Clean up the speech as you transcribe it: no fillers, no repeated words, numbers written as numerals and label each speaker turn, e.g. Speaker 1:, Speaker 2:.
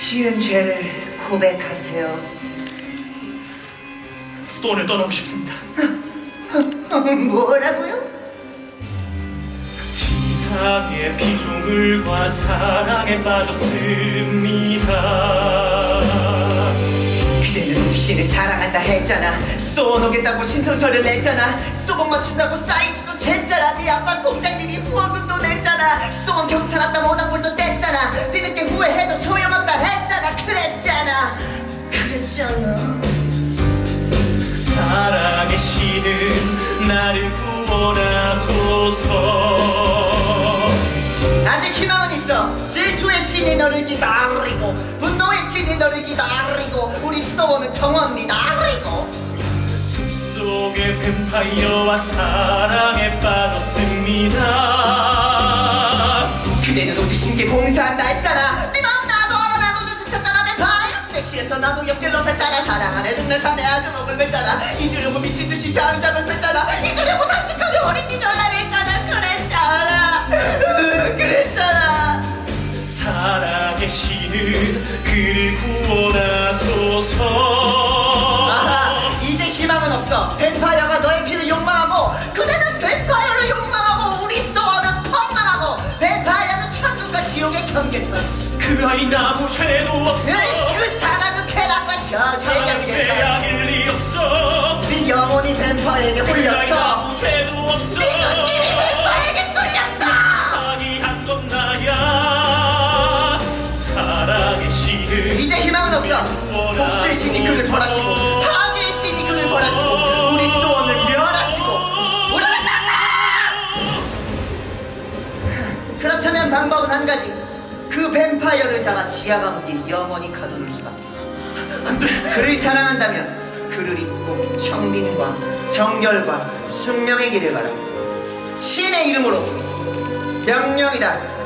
Speaker 1: 지은 죄를 고백하세요.
Speaker 2: 스톤을 떠나고 싶습니다.
Speaker 1: 뭐라고요?
Speaker 2: 지상의 피조물과 사랑에 빠졌습니다.
Speaker 1: 그대는 귀신을 사랑한다 했잖아. 스톤 오겠다고 신청서를 냈잖아. 스톤 맞춘다고 사이즈도 쟀잖아. 네 아빠 공장들이 후원금도 냈잖아. 스톤 경찰 왔다 모닥불도 뗐잖아. 뒤늦게 후회해도 소용없다 했잖아. 그랬잖아.
Speaker 2: 사랑의 신은 나를 구원하소서.
Speaker 1: 아직 희망은 있어. 질투의 신이 너를 기다리고, 분노의 신이 너를 기다리고, 우리 스톤은 정원 기다리고.
Speaker 2: 숲속의 뱀파이어와 사랑에 빠졌습니다.
Speaker 1: 그대는 오직 신께 봉사한다 했잖아. 네 마음 나도 알아. 나도 눈치챘잖아. 내 바이오 섹시해서 나도 옆길로 샜잖아. 사랑 안에 동네 산에 아주 목을 맸잖아. 잊으려고 미친듯이 잠을 뺐잖아. 잊으려고 당신까지 어린이 전람했잖아. 그랬잖아.
Speaker 2: 사랑의 신은 그를 구원하소서.
Speaker 1: 아하, 이제 희망은 없어. 뱀파이어가 너의 피를 욕망하고, 그대는 뱀파이어를 욕망하고, 우리 스토어는 펑망하고, 뱀파이어는 천국과 지옥의 경계선.
Speaker 2: 그 아이 아무 죄도 없어.
Speaker 1: 그 사랑은 쾌락과 저세
Speaker 2: 사랑은
Speaker 1: 경계선.
Speaker 2: 빼앗길 리 없어.
Speaker 1: 네 영혼이 뱀파이어에게
Speaker 2: 그 아이
Speaker 1: 홀렸어.
Speaker 2: 아무 죄도 없어.
Speaker 1: 네 눈길이 뱀파이어에게 쏠렸어.
Speaker 2: 아니한 건 나야. 사랑의 신은
Speaker 1: 이제 희망은 없어. 복수의 신이 그를 벌하시고, 파괴의 신이 그를 벌하시고, 우리 스토어를 멸하시고, 우리를 닦아! 그렇다면 방법은 한 가지. 그 뱀파이어를 잡아 지하 감옥에 영원히 가두는 수밖에. 안돼. 그를 사랑한다면 그를 잊고 청빈과 정결과 숙명의 길을 가라. 신의 이름으로 명령이다.